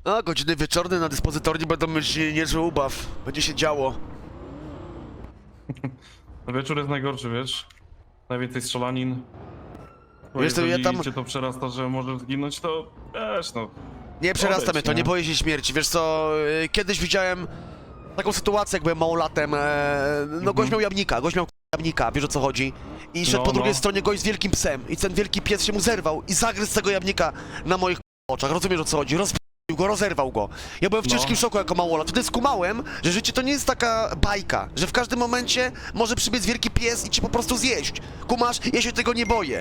A, godziny wieczorne na dyspozytorni będą mieć niezły ubaw. Będzie się działo. Wieczór jest najgorszy, wiesz? Najwięcej strzelanin. Bo Wiesz co, jeżeli ja tam- cię to przerasta, że możesz zginąć, to wiesz, no. Nie przerasta Odejdź, mnie to, nie? nie boję się śmierci. Wiesz co, kiedyś widziałem taką sytuację, jak byłem małolatem. No gość miał jamnika, wiesz o co chodzi? I szedł No, po drugiej no. stronie gość z wielkim psem. I ten wielki pies się mu zerwał i zagryzł tego jamnika na moich oczach. Rozumiesz o co chodzi? Rozerwał go. Ja byłem w No. ciężkim szoku jako małolat. Wtedy skumałem, że życie to nie jest taka bajka, że w każdym momencie może przybiec wielki pies i cię po prostu zjeść. Kumasz? Ja się tego nie boję.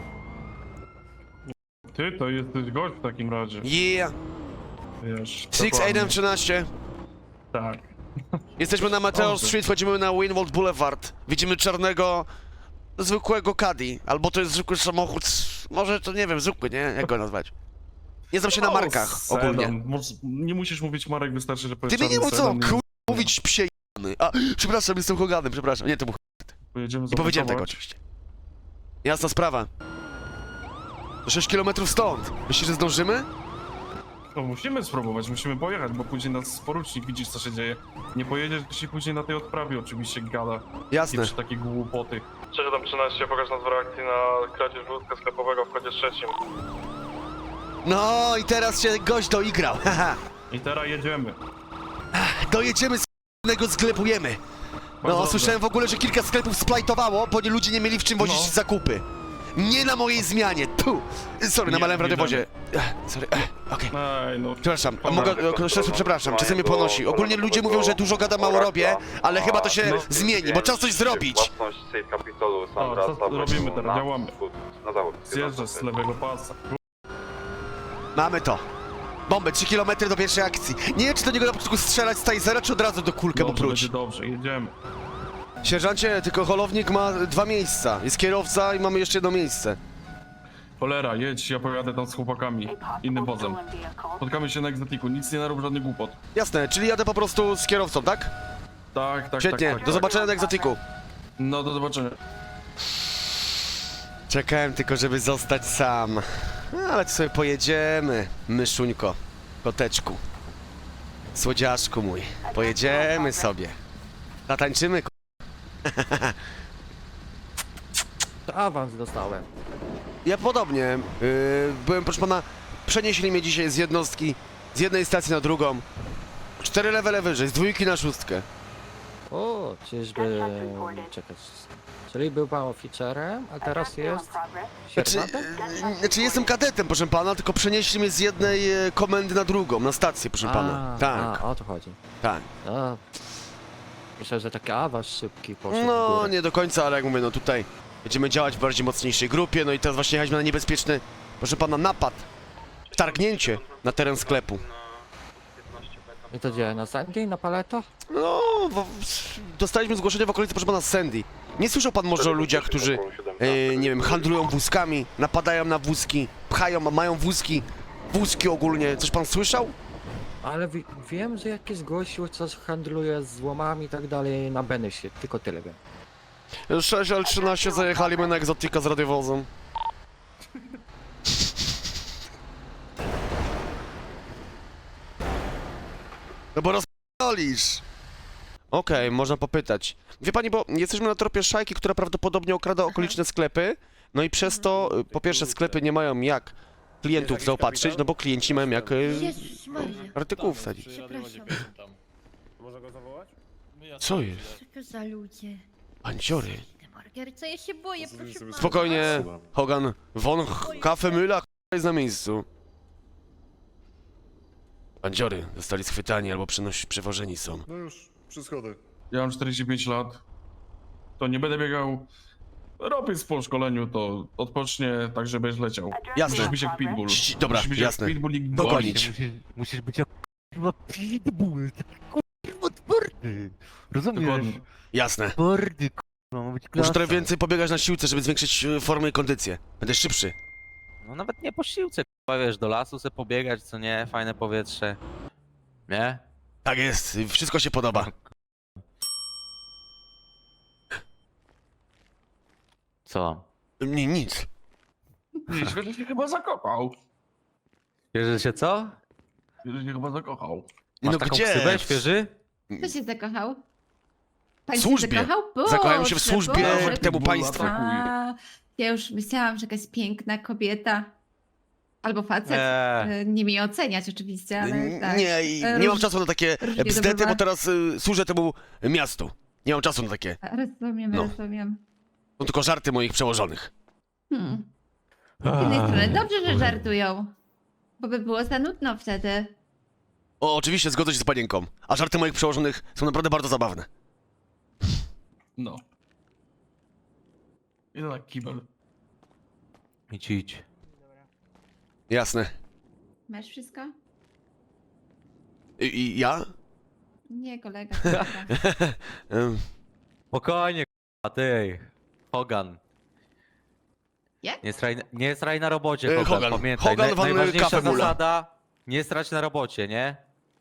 Ty to jesteś gość w takim razie. Yeah. Wiesz. 6-8-13. Tak. Jesteśmy na Mateo Dobrze. Street, wchodzimy na Winwold Boulevard. Widzimy czarnego, zwykłego Caddy. Albo to jest zwykły samochód, może to nie wiem, zwykły, nie? Jak go nazwać? Nie znam się na markach Sedan. ogólnie. Nie musisz mówić Marek, wystarczy, że Ty powiesz mi nie czarny mów co, sedan i mówić psie jany. A, przepraszam, jestem Hoganem, przepraszam. Nie, to był pojedziemy nie powiedziałem tego zapakować. oczywiście. Jasna sprawa. To 6 km stąd. Myślisz, że zdążymy? No musimy spróbować, musimy pojechać, bo później nas porucznik, widzisz co się dzieje. Nie pojedziesz się później na tej odprawie oczywiście gada. Jasne. I przy takie głupoty. 713, pokaż nas w reakcji na kradzież wózka sklepowego w kodzie trzecim. No i teraz się gość doigrał, haha. I teraz jedziemy. Dojedziemy z k***nego sklepujemy. No, Bardzo słyszałem w ogóle, że kilka sklepów splajtowało, bo ludzie nie mieli w czym wozić No. zakupy. Nie na mojej zmianie, tu! Sorry, Nie, namalałem w nie radiowozie. Sorry, okej. Ej, no. Przepraszam, a mogę, przepraszam, czasem mnie ponosi. Ogólnie ludzie mówią, że dużo gada, mało robię, ale chyba to się zmieni, bo czas coś zrobić. Własność Safe Capitolu Sandra co robimy teraz? Działamy. Na zachód. Zjeżdżasz z lewego pasa. Mamy to. Bombę, 3 km do pierwszej akcji. Nie wiem, czy do niego na początku strzelać z tajzera, czy od razu do kulkę mu Dobrze, próć. będzie dobrze, jedziemy. Sierżancie, tylko holownik ma 2 miejsca. Jest kierowca i mamy jeszcze jedno miejsce. Cholera, jedź, ja pojadę tam z chłopakami. Innym wozem. Spotkamy się na egzotiku, nic nie narób, żadnych głupot. Jasne, czyli jadę po prostu z kierowcą, tak? Tak, Świetnie, tak, tak. do zobaczenia na egzotiku. No, do zobaczenia. Czekałem tylko, żeby zostać sam. No, ale to sobie pojedziemy, myszuńko, koteczku, słodziaszku mój. Pojedziemy sobie. Zatańczymy, Awans dostałem. Ja podobnie. Byłem, proszę pana, przenieśli mnie dzisiaj z jednostki, z jednej stacji na drugą. 4 levele wyżej, z 2 na 6. O, czyżby... Czekać. Czyli był pan oficerem, a teraz jest sierżantem? Jestem kadetem, proszę pana, tylko przenieśli mnie z jednej komendy na drugą, na stację, proszę pana. Tak, A, o to chodzi. tak. No, myślę, że taki awans szybki poszedł w No, górę. nie do końca, ale jak mówię, no tutaj będziemy działać w bardziej mocniejszej grupie, no i teraz właśnie jechaliśmy na niebezpieczny, proszę pana, napad, wtargnięcie na teren sklepu. I to gdzie? Na Sandy? Na Paleto? No, dostaliśmy zgłoszenie w okolicy, proszę pana, z Sandy. Nie słyszał pan może o ludziach, którzy, nie wiem, handlują wózkami, napadają na wózki, pchają, mają wózki ogólnie, coś pan słyszał? Ale wiem, że jakiś gościu coś handluje z złomami i tak dalej na Benesie, tylko tyle wiem. 6L13 zajechaliśmy na egzotika z radiowozem. No bo rozpalisz. Okej, można popytać. Wie pani, bo jesteśmy na tropie szajki, która prawdopodobnie okrada okoliczne sklepy. No i przez to, po pierwsze, sklepy nie mają jak klientów zaopatrzyć, no bo klienci mają jak Jezus Maria, artykułów wsadzić. przepraszam. Co jest? Co to za ludzie? Panciory. Margarca, ja się boję, proszę pana. Spokojnie, Hogan. Von Kafe Müller jest na miejscu. Bandziory zostali schwytani albo przewożeni są. No już, przy schodach. Ja mam 45 lat. To nie będę biegał. Robię po szkoleniu, to odpocznie tak, żebyś leciał. Jasne. Musisz być jak pitbull. Dobra, Musisz być jasne. jak pitbull i Dogonić. Musisz być jak kurwa pitbull, taki kurwa twardy. Rozumiesz? Dokładnie. Jasne. Twardy kurwa, ma być klasa. Muszę trochę więcej pobiegać na siłce, żeby zwiększyć formę i kondycję. Będę szybszy. No nawet nie po siłce, kurwa, wiesz, do lasu se pobiegać, co nie, fajne powietrze. Nie? Tak jest, wszystko się podoba. Co? Nic. Niedźwiedź się chyba zakopał. Wiesz, że się co? Świeży się chyba zakochał. Masz No taką gdzie? ksywę, świeży? Kto się zakochał? Pan W się służbie. zakochał? Zakochałem się w Boże, służbie Boże. temu Bulla państwu. brakuje. A, ja już myślałam, że jakaś piękna kobieta. Albo facet. Nie mi oceniać oczywiście, ale tak. Nie, nie mam czasu na takie różnie to bzdety, bywa. bo teraz służę temu miastu. Nie mam czasu na takie. Rozumiem, No. rozumiem. To tylko żarty moich przełożonych. Z jednej strony dobrze, że żartują. Bo by było za nudno wtedy. O, oczywiście zgodzę się z panienką. A żarty moich przełożonych są naprawdę bardzo zabawne. No. I na kibel. Idź. Jasne. Masz wszystko? I ja? Nie, kolega. kolega. Em, Spokojnie, k***a, ty. Hogan. Jak? Nie sraj na robocie, Hogan, Hogan. pamiętaj. Hogan van Najważniejsza Kaffe Mula. zasada, nie strać na robocie, nie?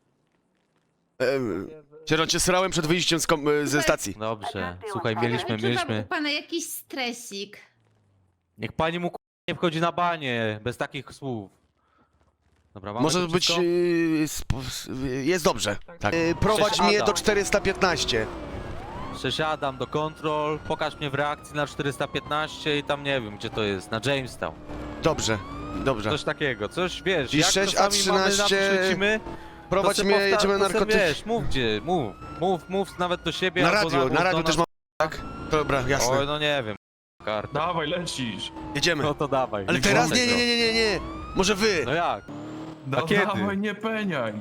Sierżant, cię srałem przed wyjściem ze stacji. Dobrze, słuchaj, Ale mieliśmy. Czuwam u pana jakiś stresik. Niech pani mu nie wchodzi na banie, bez takich słów. Dobra, mamy Może to być... wszystko? jest dobrze. Tak. Prowadź Cześć, mnie Adam. do 415. Przesiadam do kontrol, pokaż mnie w reakcji na 415 i tam nie wiem, gdzie to jest, na Jamestown. Dobrze, dobrze. Coś takiego, coś wiesz, I jak 6A13 czasami mamy na lecimy, Prowadź to mnie, se jedziemy na to se narkotyki. Wiesz, mów gdzie, mów nawet do siebie Na albo radio, mów na do radio nas. też mam, tak? Dobra, Oj, jasne. no nie wiem, karta. Dawaj, lecisz. Jedziemy. No to dawaj. Ale teraz nie. Może wy. No jak? No kiedy? dawaj, nie peniaj.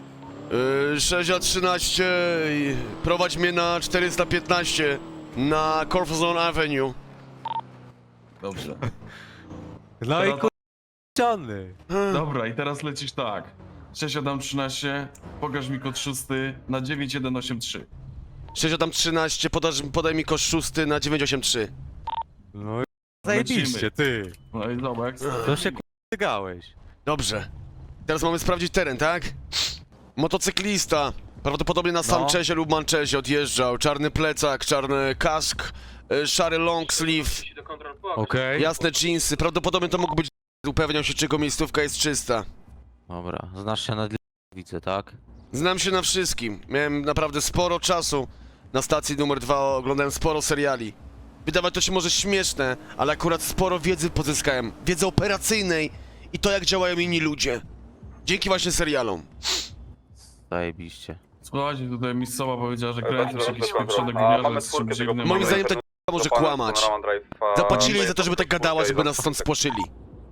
6A13 i prowadź mnie na 415 na Corfzone Avenue. Dobrze. No i Teraz- kurczony. Dobra, i teraz lecisz tak. 6-7-13, pokaż mi kod 6 na 9183. 6A13, podaj mi kosz 6 na 983. No i zajebiście, ty. No i zobacz. To się kurczygałeś. Dobrze. Teraz mamy sprawdzić teren, tak? Motocyklista. Prawdopodobnie na No. Sanchezie lub Manchezie odjeżdżał. Czarny plecak, czarny kask, szary long sleeve, Okej. jasne jeansy. Prawdopodobnie to mógł być... Upewniał się, czy jego miejscówka jest czysta. Dobra, znasz się na widzę, tak? Znam się na wszystkim. Miałem naprawdę sporo czasu na stacji numer 2, oglądałem sporo seriali. Wydawać to się może śmieszne, ale akurat sporo wiedzy pozyskałem. Wiedzy operacyjnej i to, jak działają inni ludzie. Dzięki właśnie serialom. Zajebiście. Słuchajcie, tutaj miejscowa powiedziała, że Dobra, kręcisz jakiś dobra, pieprzony dobra. A, gówniarze mamy z czwórkę czymś tego innym. Moim ale- zdaniem to może kłamać. Zapłacili za to, żeby tak gadała, żeby nas stąd spłoszyli.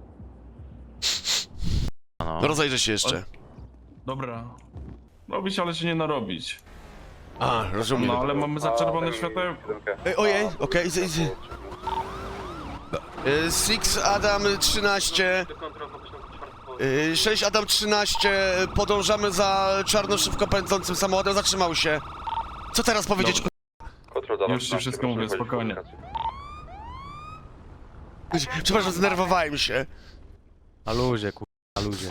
No. Rozejrzę się jeszcze. Dobra. Robić, ale się nie narobić. A, rozumiem. No, ale mamy za czerwone światełko. Ojej, okej. 6 Adam 13. 6 Adam 13. Podążamy za czarno szybko pędzącym samochodem. Zatrzymał się. Co teraz powiedzieć? Już ci wszystko mówię, spokojnie. Przepraszam, zdenerwowałem się. Na luzie, na luzie.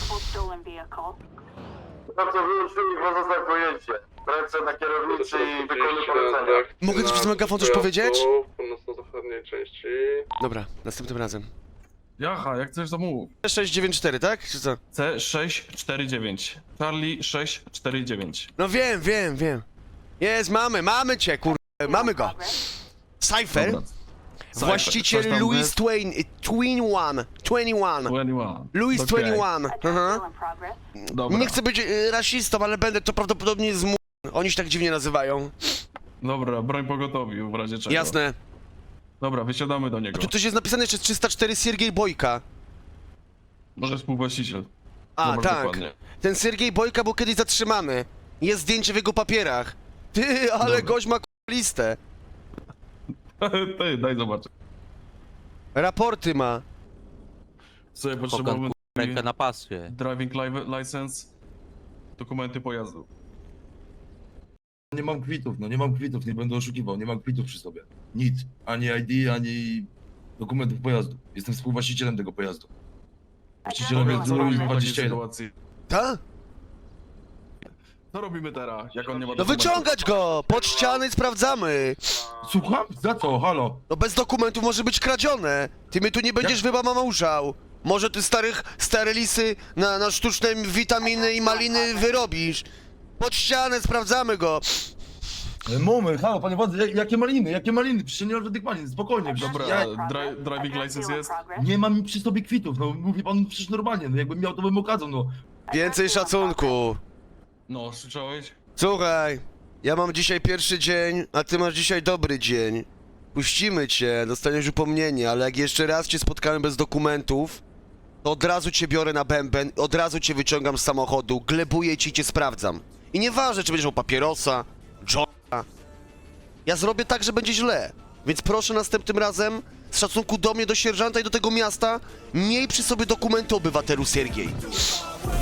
Dobrze, wyłączyli pozostałe pojęcie. Ręce na kierownicy i wykonuj polecenia. Mogę ci przez megafon coś powiedzieć? Północno-zachodniej części. Dobra, następnym razem. Jaha, jak chcesz to mów. 694, tak? Czy co? C649. Charlie 649. No wiem. Jest, mamy cię, mamy go. Cypher, Dobra. właściciel Coś tam Louis jest? Twain, 21. 21. Louis Okej. 21. Aha. Dobra. Nie chcę być rasistą, ale będę to prawdopodobnie z Oni się tak dziwnie nazywają. Dobra, broń pogotowi w razie czego. Jasne. Dobra, wysiadamy do niego. Tu coś jest napisane jeszcze 304 Siergiej Bojka. Może współwłaściciel. A, Zobacz tak. dokładnie. Ten Siergiej Bojka był kiedyś zatrzymany. Jest zdjęcie w jego papierach. Ty, ale Dobra. gość ma listę. Ty, daj zobaczyć. Raporty ma. Sobie Hogan, potrzebujemy rękę na paswie. driving license, dokumenty pojazdu. Nie mam kwitów, nie mam kwitów, nie będę oszukiwał, nie mam kwitów przy sobie. Nic, ani ID, ani dokumentów pojazdu. Jestem współwłaścicielem tego pojazdu. Właścicielem jest Co robimy w takiej 21. sytuacji? Ta? Co robimy teraz, jak on nie ma No dokumentów? wyciągać go! Pod ściany sprawdzamy! Słucham? Za co? Halo? No bez dokumentów może być kradzione! Ty mnie tu nie będziesz wybamałżał! Może ty stare lisy na sztuczne witaminy i maliny wyrobisz. Pod ścianę, sprawdzamy go. Moment, halo, panie władzy, jakie maliny? Przecież nie ma żadnych malin, spokojnie. Dobra, Ja driving license jest? nie mam przy sobie kwitów, no mówi pan przecież normalnie, no jakbym miał, to bym okazał, no. Więcej szacunku. No, słyszałeś? Słuchaj, ja mam dzisiaj pierwszy dzień, a ty masz dzisiaj dobry dzień. Puścimy cię, dostaniesz upomnienie, ale jak jeszcze raz cię spotkamy bez dokumentów, to od razu cię biorę na bęben, od razu cię wyciągam z samochodu, glebuję ci i cię sprawdzam. I nieważne, czy będziesz miał papierosa, jointa. Ja zrobię tak, że będzie źle. Więc proszę następnym razem, z szacunku do mnie, do sierżanta i do tego miasta, miej przy sobie dokumenty, obywatelu Siergiej.